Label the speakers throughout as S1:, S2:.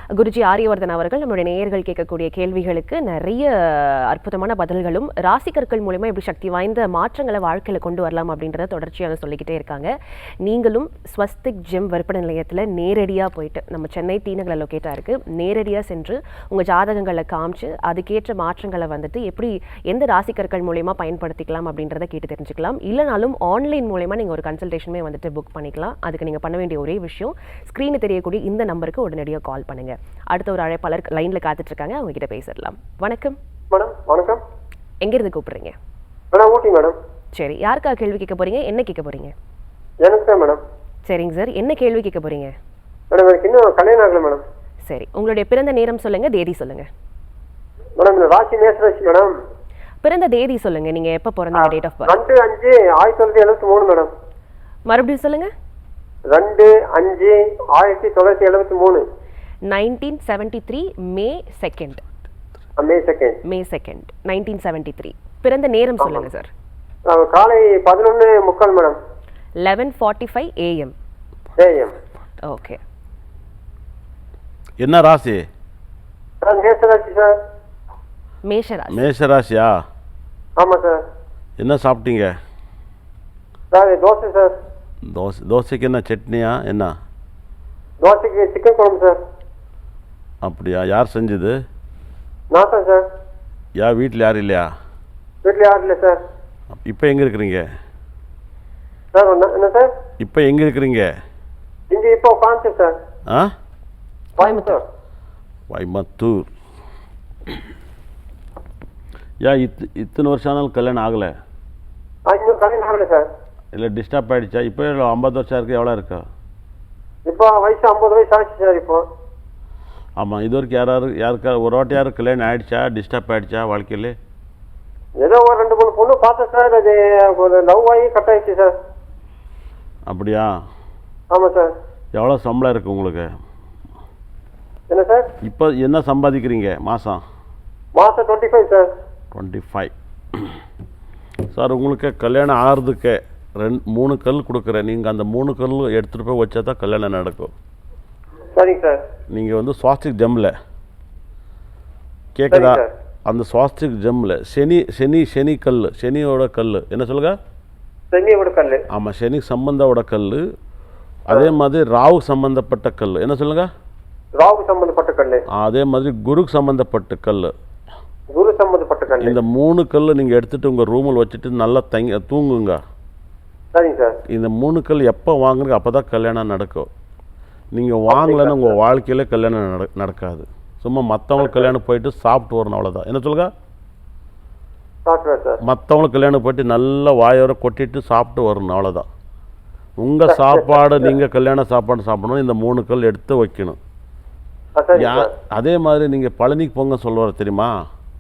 S1: குருஜி ஆரியவர்தன் அவர்கள் நம்மளுடைய நேயர்கள் கேட்கக்கூடிய கேள்விகளுக்கு நிறைய அற்புதமான பதில்களும் ராசிக்கற்கள் மூலமா எப்படி சக்தி வாய்ந்த மாற்றங்களை வாழ்க்கையில கொண்டு வரலாம் அப்படின்றத தொடர்ச்சியாக சொல்லிக்கிட்டே இருக்காங்க. நீங்களும் ஸ்வஸ்திக் ஜிம் விற்பனை நிலையத்தில் நேரடியாக போயிட்டு, நம்ம சென்னை தீநகர லொக்கேட்டாக இருக்கு, நேரடியாக சென்று உங்கள் ஜாதகங்களை காமிச்சு அதுக்கேற்ற மாற்றங்களை வந்துட்டு எப்படி எந்த ராசிக்கற்கள் மூலமா பயன்படுத்திக்கலாம் அப்படின்றத கேட்டு தெரிஞ்சுக்கலாம். இல்லைனாலும் ஆன்லைன் மூலமா நீங்கள் ஒரு கன்சல்டேஷனுமே வந்துட்டு புக் பண்ணிக்கலாம். அதுக்கு நீங்கள் பண்ண வேண்டிய ஒரே விஷயம், ஸ்க்ரீனில் தெரியக்கூடிய இந்த நம்பருக்கு உடனடியாக கால் பண்ணுங்க. அடுத்த ஒரு அழைப்பாளர் லைன்ல காத்துட்டு இருக்காங்க, அவங்க கிட்ட பேசிடலாம். வணக்கம்
S2: மேடம். வணக்கம்.
S1: எங்க இருந்து கூப்பிடுறீங்க?
S2: Madam Ooty madam.
S1: சரி, யாருக்கா கேள்வி கேட்க போறீங்க, என்ன கேட்க போறீங்க?
S2: எனக்கு தான் மேடம்.
S1: சரிங்க சார், என்ன கேள்வி கேட்க போறீங்க?
S2: மேடம் எனக்கு இன்னும் கல்யாணம் ஆகல மேடம்.
S1: சரி, உங்களுடைய பிறந்த நேரம் சொல்லுங்க, தேதி சொல்லுங்க.
S2: மேடம் இந்த ராசி மேஷராசி மேடம்.
S1: பிறந்த தேதி சொல்லுங்க, நீங்க எப்ப பிறந்தீங்க, டேட் ஆஃப் பர்த்?
S2: 2-5-1973 மேடம்.
S1: மறுபடியும் சொல்லுங்க.
S2: 2-5-1973.
S1: 1973 மே 2nd.
S2: மே 2nd.
S1: மே 2nd 1973. பிறந்த நேரம் சொல்லுங்க சார்.
S2: காலை 11:45 மேடம்.
S1: 11:45 AM. ஓகே.
S3: என்ன ராசி?
S2: மேஷராசி சார்.
S1: மேஷராசி.
S3: மேஷராசியா?
S2: ஆமா சார்.
S3: என்ன சாப்பிட்டீங்க?
S2: Sir dosa sir.
S3: தோசைக்கு என்ன சட்னியா என்ன?
S2: தோசைக்கு சிக்கன் குழம்பு சார்.
S3: அப்படியா? யார் செஞ்சது?
S2: நான் தான் சார்.
S3: வீட்டில் யாரும் இல்லையா?
S2: வீட்டில் யாரும் இல்லை சார்.
S3: இப்போ எங்கே இருக்கிறீங்க
S2: சார்? என்ன சார்?
S3: இப்போ எங்கே இருக்கிறீங்க?
S2: இங்கே இப்போ உட்காந்து சார்.
S1: கோயம்புத்தூர்.
S3: கோயம்புத்தூர். இத்தனை வருஷம் ஆனாலும் கல்யாணம் ஆகலை?
S2: இன்னும் கல்யாணம் ஆகலை சார்.
S3: இல்லை டிஸ்டர்ப் ஆகிடுச்சா? இப்போ 50 வருஷம் இருக்குது, எவ்வளோ இருக்கா?
S2: இப்போ வயசு 50 வயசு ஆச்சு சார். இப்போ
S3: ஆமாம், இது வரைக்கும் யாருக்கா ஒரு வாட்டி யாரும் கல்யாணம் ஆகிடுச்சா? டிஸ்டர்ப் ஆகிடுச்சா வாழ்க்கையில்?
S2: ஏதோ ஒரு 2-3 பொண்ணு பார்த்தேன் சார். அது ஒரு லவ் ஆகி கட் ஆயிடுச்சு சார்.
S3: அப்படியா?
S2: ஆமாம் சார்.
S3: எவ்வளோ சம்பளம் இருக்குது உங்களுக்கு?
S2: என்ன சார்?
S3: இப்போ என்ன சம்பாதிக்கிறீங்க மாதம்?
S2: 25 சார்.
S3: 25. சார் உங்களுக்கு கல்யாணம் ஆகிறதுக்கு 3 கல் கொடுக்குறேன். நீங்கள் அந்த 3 கல் எடுத்துகிட்டு போய் வச்சா தான் கல்யாணம் நடக்கும்.
S2: சரிங்க சார்.
S3: நீங்கள் ஸ்வாஸ்திக் ஜெம்மில் கேட்குதா? அந்த ஸ்வாஸ்திக் ஜெம்மில் சனி கல், சனியோட கல் என்ன சொல்லுங்க?
S2: சனியோட கல்.
S3: ஆமாம், சனி சம்பந்தோட கல். அதே மாதிரி ராகு சம்பந்தப்பட்ட கல் என்ன சொல்லுங்க?
S2: ராகு சம்பந்தப்பட்ட கல்.
S3: அதே மாதிரி குருக்கு சம்பந்தப்பட்ட கல்.
S2: குரு சம்பந்தப்பட்ட கல்.
S3: இந்த 3 கல் நீங்கள் எடுத்துகிட்டு உங்கள் ரூமில் வச்சுட்டு நல்லா தூங்குங்க.
S2: சரிங்க சார்.
S3: இந்த 3 கல் எப்போ வாங்குறீங்க அப்போ தான் கல்யாணம் நடக்கும். நீங்கள் வாங்கலைன்னு உங்கள் வாழ்க்கையில் கல்யாணம் நடக்காது. சும்மா மற்றவங்களுக்கு கல்யாணம் போயிட்டு சாப்பிட்டு வரணும், அவ்வளோதான். என்ன சொல்லுங்க? மற்றவங்களுக்கு கல்யாணம் போயிட்டு நல்லா வாயோர கொட்டிட்டு சாப்பிட்டு வரணும், அவ்வளோதான். உங்கள் சாப்பாடு நீங்கள் கல்யாண சாப்பாடு சாப்பிடணும். இந்த 3 கல் எடுத்து வைக்கணும். அதே மாதிரி நீங்கள் பழனிக்கு போங்க சொல்லுவார் தெரியுமா?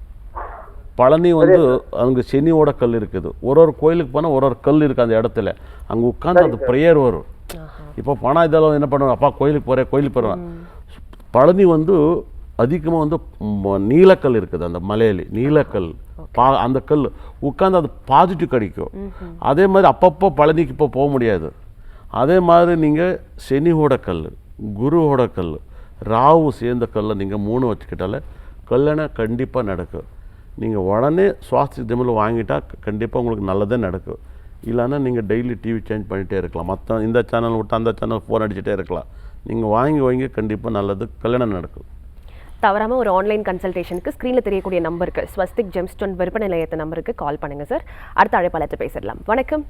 S3: பழனி அங்கே சனியோட கல் இருக்குது. ஒரு கோயிலுக்கு போனால் ஒரு கல் இருக்குது அந்த இடத்துல. அங்கே உட்காந்து அது ப்ரேயர் வரும். இப்போ பணம் இதெல்லாம் என்ன பண்ணுவாங்க? அப்பா கோயிலுக்கு போகிறேன். பழனி அதிகமாக நீலக்கல் இருக்குது அந்த மலையில. நீலக்கல் அந்த கல் உட்காந்து அது பாசிட்டிவ் கிடைக்கும். அதே மாதிரி அப்பப்போ பழனிக்கு இப்போ போக முடியாது. அதே மாதிரி நீங்கள் சனியோட கல், குருவோட கல், ராகு சேர்ந்த கல்லை நீங்கள் 3 வச்சுக்கிட்டாலே கல்யாணம் கண்டிப்பாக நடக்கும். நீங்கள் உடனே சுவாஸ்திக் ஜெம்மில் வாங்கிட்டா கண்டிப்பாக உங்களுக்கு நல்லதே நடக்கும். இல்லைன்னா நீங்கள் டெய்லி டிவி சேஞ்ச் பண்ணிகிட்டே இருக்கலாம். மற்ற இந்த சேனல் விட்டு அந்த சேனல் ஃபோன் அடிச்சுட்டே இருக்கலாம். நீங்கள் வாங்கி கண்டிப்பாக நல்லது கல்யாணம் நடக்கும்.
S1: தவறாமல் ஒரு ஆன்லைன் கன்சல்டேஷனுக்கு ஸ்க்ரீனில் தெரியக்கூடிய நம்பருக்கு, ஸ்வஸ்திக் ஜெம்ஸ்டோன் விற்பனை நிலையத்த நம்பருக்கு கால் பண்ணுங்கள் சார். அடுத்த அழைப்பாளர்கிட்ட பேசிடலாம். வணக்கம்.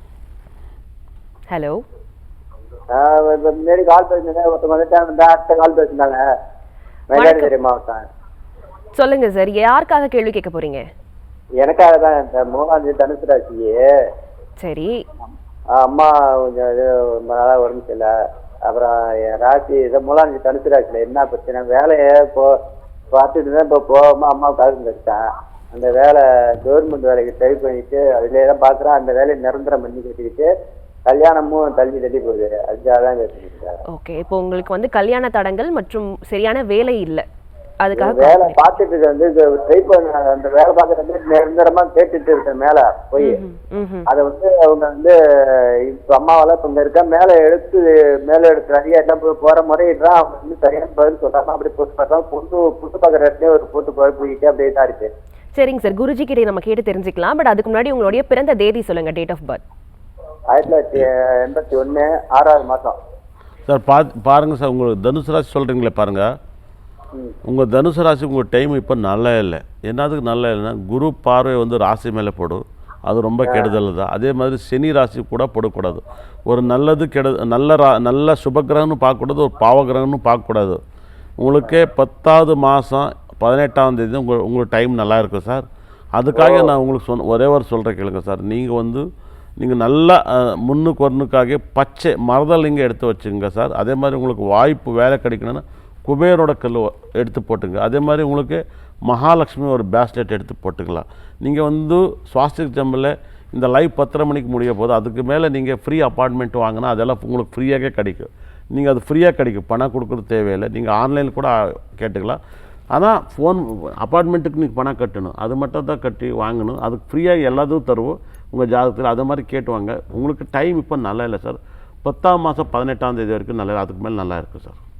S1: ஹலோ.
S4: முன்னாடி கால் பேசினேன், ஒருத்தவங்க வந்துட்டாங்க, அடுத்த கால் பேசினாங்க. மயிலாடுதுறை மாவட்டம்.
S1: சொல்லுங்க சார், யாருக்காக கேள்வி கேட்க போறீங்க?
S4: எனக்காக தான். இந்த 3ஆம் தேதி தனுசு ராசி. சரி. அம்மா கொஞ்சம் இது நல்லா உடம்பு சரியில்லை. அப்புறம் ராசி இதை 3ஆம் தேதி தனுசு ராசியில் என்ன பிரச்சனை? வேலையை பார்த்துட்டு தான் இப்போ போகாமல் அம்மாவுக்காக இருக்கேன். அந்த வேலை கவர்மெண்ட் வேலைக்கு ட்ரை பண்ணிட்டு அதுலேயே தான் பார்க்குறேன். அந்த வேலையை நிரந்தரம் பண்ணி கட்டிக்கிட்டு கல்யாணமும் தள்ளி போகுது. அதுக்காக தான் கேட்டுருக்கேன்.
S1: ஓகே, இப்போ உங்களுக்கு கல்யாண தடங்கள் மற்றும் சரியான வேலை இல்லை, அதுக்காக
S4: வேலை பார்த்துட்டு வந்து ட்ரை பண்ண அந்த வேலை பார்க்கறது நிரந்தரமா கேட்டுட்டு இருக்கேன் மேல போய். அதை வந்து அவங்க வந்து இப்ப அம்மாவால இப்ப இங்க இருக்க மேல எடுத்து நிறைய எல்லாம் போற முறையிடுறான். அவங்க வந்து சரியான பதில் சொல்றாங்க. அப்படி புதுசு பார்க்கலாம் புதுசு பார்க்குற இடத்துல ஒரு போட்டு போயிட்டு அப்படியே தான் இருக்கு.
S1: சரிங்க சார், குருஜி கிட்டே நம்ம கேட்டு தெரிஞ்சுக்கலாம். பட் அதுக்கு முன்னாடி உங்களுடைய பிறந்த தேதி சொல்லுங்க, டேட் ஆஃப் பர்த்.
S4: 1981 6வது மாசம்.
S3: சார் பாருங்கள் சார், உங்களுக்கு தனுசு ராசி சொல்கிறீங்களே பாருங்கள். உங்கள் தனுசு ராசி உங்கள் டைம் இப்போ நல்லா இல்லை. என்னதுக்கு நல்லா இல்லைன்னா குரு பார்வை வந்து ராசி மேலே போடும், அது ரொம்ப கெடுதல் தான். அதே மாதிரி சனி ராசி கூட போடக்கூடாது. ஒரு நல்லது நல்ல சுபகிரகம்னு பார்க்கக்கூடாது, ஒரு பாவகிரகம்னு பார்க்கக்கூடாது. உங்களுக்கே 10வது மாதம் 18ஆம் தேதி உங்களுக்கு டைம் நல்லா இருக்கும் சார். அதுக்காக நான் உங்களுக்கு ஒரே ஒரு சொல்கிறேன் கேளுங்க சார். நீங்கள் நல்லா முன்னுக்கு வரணுக்காக பச்சை மரதலிங்க எடுத்து வச்சுங்க சார். அதே மாதிரி உங்களுக்கு வாய்ப்பு வேலை கிடைக்கணும்னா குபேரோட கல் எடுத்து போட்டுங்க. அதே மாதிரி உங்களுக்கு மகாலட்சுமி ஒரு பேஸ்லெட் எடுத்து போட்டுக்கலாம். நீங்கள் வந்து சுவாஸ்திக் ஜம்பில் இந்த லைவ் 10:30 மணிக்கு முடிய போது அதுக்கு மேலே நீங்கள் ஃப்ரீ அப்பார்ட்மெண்ட் வாங்கினா அதெல்லாம் உங்களுக்கு ஃப்ரீயாகவே கிடைக்கும். நீங்கள் அது ஃப்ரீயாக கிடைக்கும், பணம் கொடுக்குறது தேவையில்லை. நீங்கள் ஆன்லைனில் கூட கேட்டுக்கலாம். ஆனால் அப்பார்ட்மெண்ட்டுக்கு நீங்கள் பணம் கட்டணும், அது மட்டும் தான் கட்டி வாங்கணும். அதுக்கு ஃப்ரீயாக எல்லாத்தையும் தருவோம் உங்கள் ஜாதகத்தில். அதை மாதிரி கேட்டுவாங்க. உங்களுக்கு டைம் இப்போ நல்லா இல்லை சார். 10ஆம் மாதம் 18ஆம் தேதி வரைக்கும் நல்லா, அதுக்கு மேலே நல்லா இருக்குது சார்.